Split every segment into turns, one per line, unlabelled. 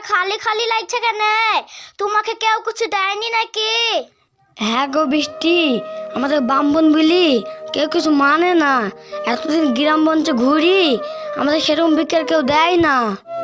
খালি খালি লাগছে কেন? তোমাকে কেউ কিছু দেয়নি নাকি?
হ্যাঁ গো বৃষ্টি, আমাদের ব্রাহ্মণ বলি কেউ কিছু মানে না। এতদিন গ্রাম মঞ্চে ঘুরি, আমাদের সেরকম ভিক্ষার কেউ দেয় না।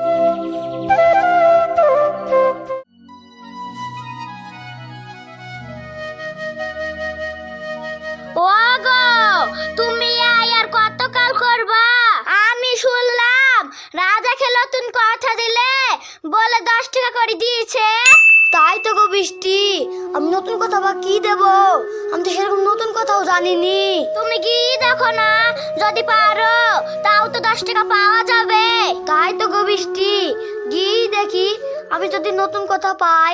ওগো, তুমি আর কতকাল করবা? আমি শুনলাম রাজাকে নতুন কথা দিলে বলে 10 টাকা করে দিয়েছে।
তাই তো গো বৃষ্টি, আমি নতুন কথা বা কি দেব? আমি তো সেরকম নতুন কথাও জানিনি।
তুমি কি দেখো না, যদি পারো তাও তো 10 টাকা পাওয়া যাবে।
তাই তো গো বৃষ্টি, গিয়ে দেখি আমি যদি নতুন কথা পাই।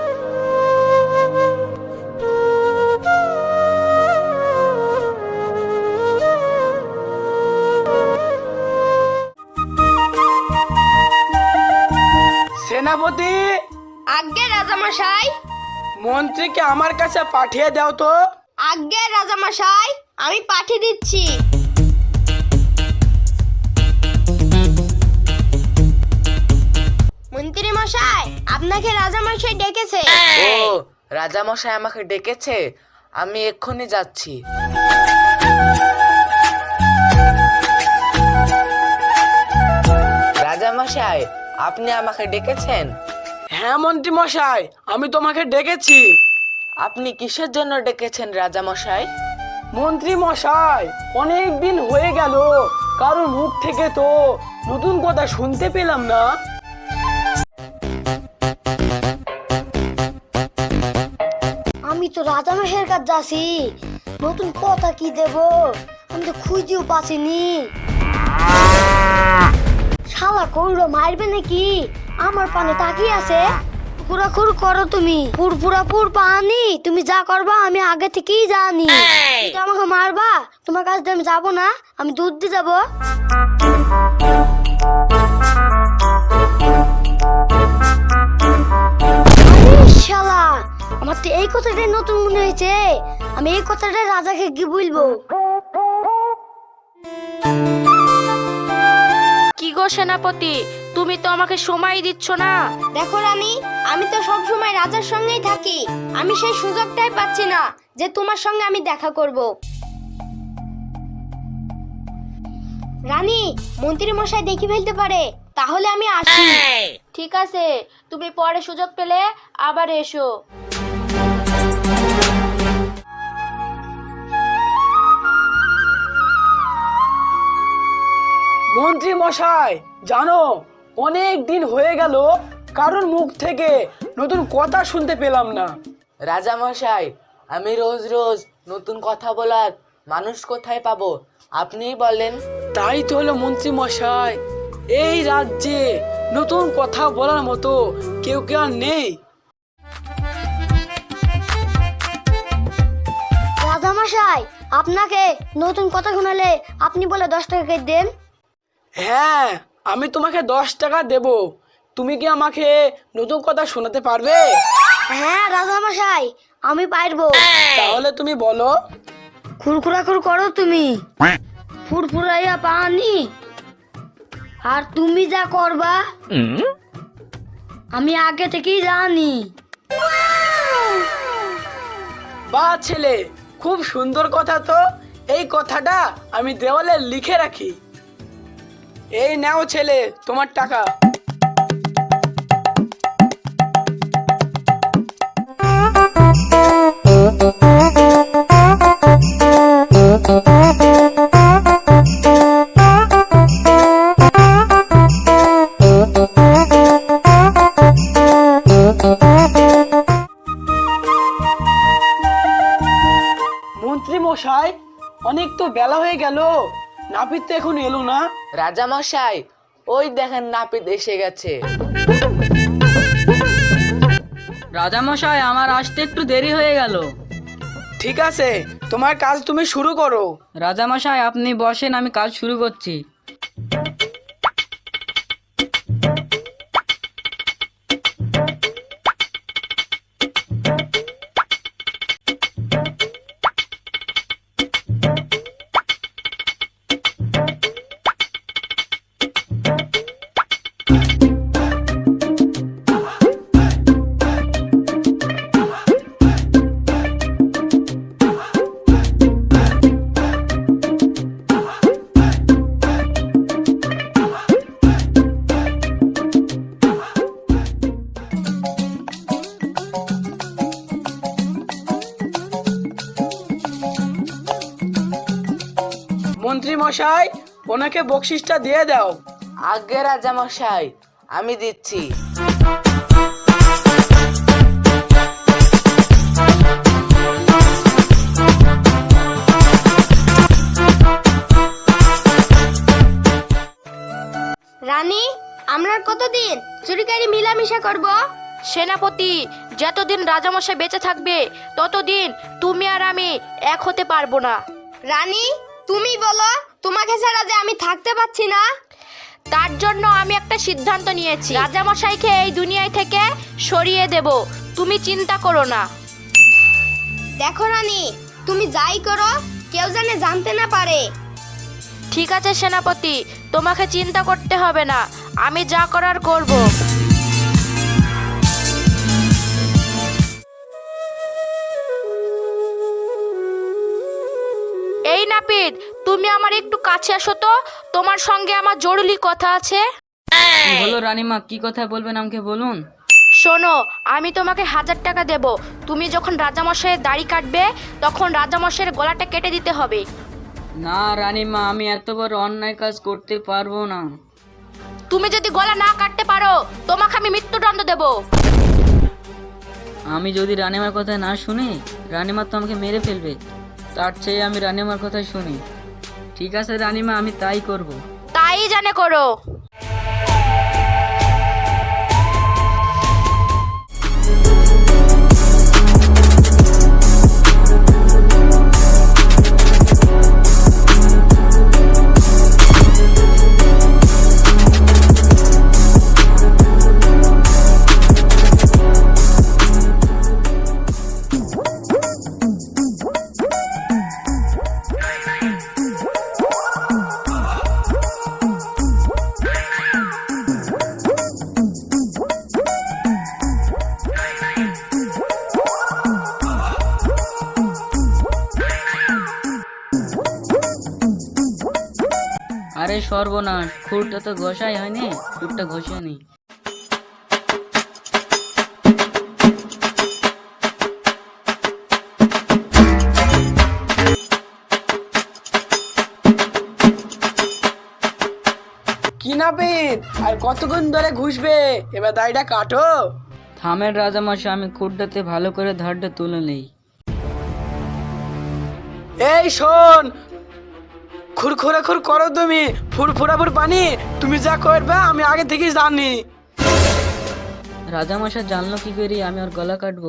সেনাপতি,
আজ্ঞে রাজামশাই।
মন্ত্রীকে আমার কাছে পাঠিয়ে দাও তো।
আজ্ঞে রাজামশাই, আমি পাঠিয়ে দিচ্ছি। মন্ত্রী মশাই, আপনাকে রাজামশাই ডেকেছে।
ও, রাজামশাই আমাকে ডেকেছে, আমি এক্ষুনি যাচ্ছি। রাজামশাই, আপনি আমাকে ডেকেছেন?
হ্যাঁ মন্ত্রী মশাই, আমি তোমাকে ডেকেছি।
আপনি কিসের জন্য ডেকেছেন রাজামশাই?
মন্ত্রী মশাই, অনেক দিন হয়ে গেল, কারোর মুখ থেকে তো নতুন কথা শুনতে পেলাম না।
আমি তো রাজামশাইয়ের কাছে যাচ্ছি, নতুন কথা কি দেব? আমি তো খুঁজেও পাচ্ছিনি। শালা কৌড়ো মারবে নাকি? আমার পানে তাকিয়ে আছে। খুরাখুর করো তুমি, ফুরফুরাফুর পানি। তুমি যা করবা আমি আগে থেকেই জানি। তুমি আমাকে মারবা, তোমার কাছে আমি যাবো না, আমি দুধ দিয়ে যাবো। শালা, আমার তো এই কথাটাই নতুন মনে হয়েছে। আমি এই কথাটা রাজাকে কি বলবো?
কি গো সেনাপতি, তুমি তো আমাকে সময় দিচ্ছ না।
দেখো রানী, আমি তো সব সময় রাজার সঙ্গেই থাকি। আমি সেই সুযোগটাই পাচ্ছি না যে তোমার সঙ্গে আমি দেখা করব। রানী, মন্ত্রী মশাই দেখি ফেলতে পারে, তাহলে আমি আসি।
ঠিক আছে, তুমি পরে সুযোগ পেলে আবার এসো।
মন্ত্রী মশাই, জানো অনেক দিন হয়ে গেল কারোর মুখ থেকে নতুন কথা শুনতে পেলাম না।
রাজামশাই, আমি রোজ রোজ নতুন কথা বলার মানুষ কোথায় পাবো? আপনিই বলেন।
তাই তো হলো মন্ত্রী মশাই, এই রাজ্যে নতুন কথা বলার মতো কেউ কেউ আর নেই।
রাজামশাই, আপনাকে নতুন কথা শোনালে আপনি বলে 10 টাকা করে দেন।
হ্যাঁ, আমি তোমাকে 10 টাকা দেব। তুমি কি আমাকে নতুন কথা শোনাতে পারবে?
হ্যাঁ রাজামশাই, আমি পারবো।
তাহলে তুমি বলো।
খুরখুরাখুর করো তুমি, ফুরফুরাইয়া পানি। আর তুমি যা করবা আমি আগে থেকেই জানি।
বাহ ছেলে, খুব সুন্দর কথা তো। এই কথাটা আমি দেওয়ালে লিখে রাখি। এই নাও ছেলে, তোমার টাকা। মন্ত্রী মশাই, অনেক তো বেলা হয়ে গেল, নাপিত তো এখন এলো না।
রাজামশাই, ওই দেখেন নাপিত এসে গেছে।
রাজামশাই, আমার আসতে একটু দেরি হয়ে গেল।
ঠিক আছে, তোমার কাজ তুমি শুরু করো।
রাজামশাই, আপনি বসেন, আমি কাজ শুরু করছি।
মন্ত্রী মশাই, ওনাকে বকশিসটা দিয়ে দাও।
আগে রাজা মশাই, আমি দিচ্ছি।
রানী, আমরা কতদিন চুরিকারি মিলামিশা করব?
সেনাপতি, যতদিন রাজামশাই বেঁচে থাকবে ততদিন তুমি আর আমি এক হতে পারবো না।
রানী, তুমি বলো, তোমাকে ছাড়া যে আমি থাকতে পারছি না।
তার জন্য আমি একটা সিদ্ধান্ত নিয়েছি, রাজামশাইকে এই দুনিয়ায় থেকে সরিয়ে দেব। তুমি চিন্তা করো না।
দেখো রানী, তুমি যাই করো কেউ জানে জানতে না পারে।
ঠিক আছে সেনাপতি, তোমাকে চিন্তা করতে হবে না, আমি যা করার করব। এই নাপিত, তুমি আমার একটু কাছে আসো তো, তোমার সঙ্গে আমার জরুরি কথা আছে।
কি হলো রানীমা, কি কথা বলবেন আমাকে বলুন।
শোনো, আমি তোমাকে 1000 টাকা দেব। তুমি যখন রাজামশাইয়ের দাড়ি কাটবে তখন রাজামশাইয়ের গলাটা কেটে দিতে হবে।
না রানীমা, আমি এত বড় অন্যায় কাজ করতে পারবো না।
তুমি যদি গলা না কাটতে পারো তোমাকে আমি মৃত্যুদণ্ড দেব।
আমি যদি রানীমার কথা না শুনি, রানীমা তো আমাকে মেরে ফেলবে। তার চেয়ে আমি রানীমার কথা শুনি। ঠিক আছে রানীমা, আমি তাই করব।
তাই জানে করো।
আরে সর্বনাশ, খুরটা তো ঘষাই হয়নি, খুরটা ঘষে নি।
কি নাপিত, আর কতক্ষণ ধরে ঘুষবে? এবার দাড়িটা কাটো।
থামের রাজামশাই, আমি খুরটাতে ভালো করে ধারটা তুলে নেই।
এই শোন, খুরখুরা খুর করো তুমি, ফুরফুরা ফুর পানি। তুমি যা করবে আমি আগে থেকেই জানি।
রাজামশাই জানলো কি করি আমি ওর গলা কাটবো?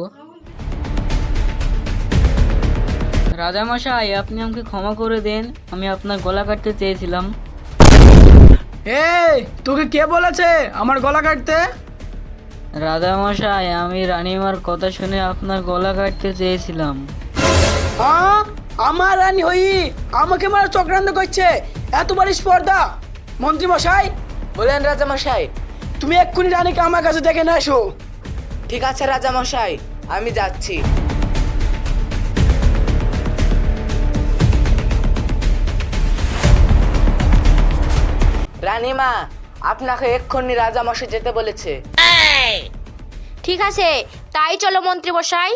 রাজামশাই, আপনি আমাকে ক্ষমা করে দেন, আমি আপনার গলা কাটতে চেয়েছিলাম।
এই, তোকে কে বলেছে আমার গলা কাটতে?
রাজামশাই, আমি রানীমার কথা শুনে আপনার গলা কাটতে চেয়েছিলাম।
হ্যাঁ, আমার রানী হই আমাকে মারা চক্রান্ত করছে, এতবার স্পর্ধা। মন্ত্রী মশাই,
বলেন রাজা মশাই।
তুমি এক্ষুনি রানীকে আমার কাছে ডেকে নিয়ে এসো।
ঠিক আছে রাজা মশাই, আমি যাচ্ছি। রানীমা, আপনাকে এক্ষুনি রাজা মশাই যেতে বলেছে।
ঠিক আছে, তাই চলো মন্ত্রী মশাই।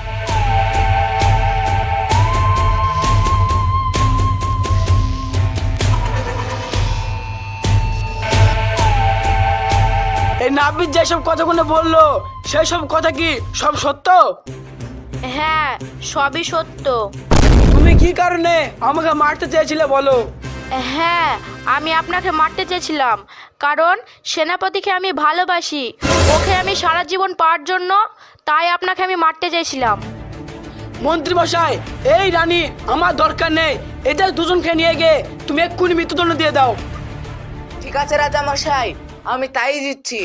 এই নাপিত যেসব কথাগুলো বললো সেই সব কথা কি সব সত্য?
হ্যাঁ, সবই সত্য।
তুমি কি কারণে আমাকে মারতে চেয়েছিলে বলো?
হ্যাঁ, আমি আপনাকে মারতে চেয়েছিলাম কারণ সেনাপতিকে আমি ভালোবাসি, ওকে আমি সারা জীবন পাওয়ার জন্য, তাই আপনাকে আমি মারতে চেয়েছিলাম।
মন্ত্রী মশাই, এই রানী আমার দরকার নেই, এদের দুজনকে নিয়ে গিয়ে তুমি এক্ষুনি মৃত্যুদণ্ড দিয়ে দাও।
ঠিক আছে রাজা মশাই, আমি তাই দিচ্ছি।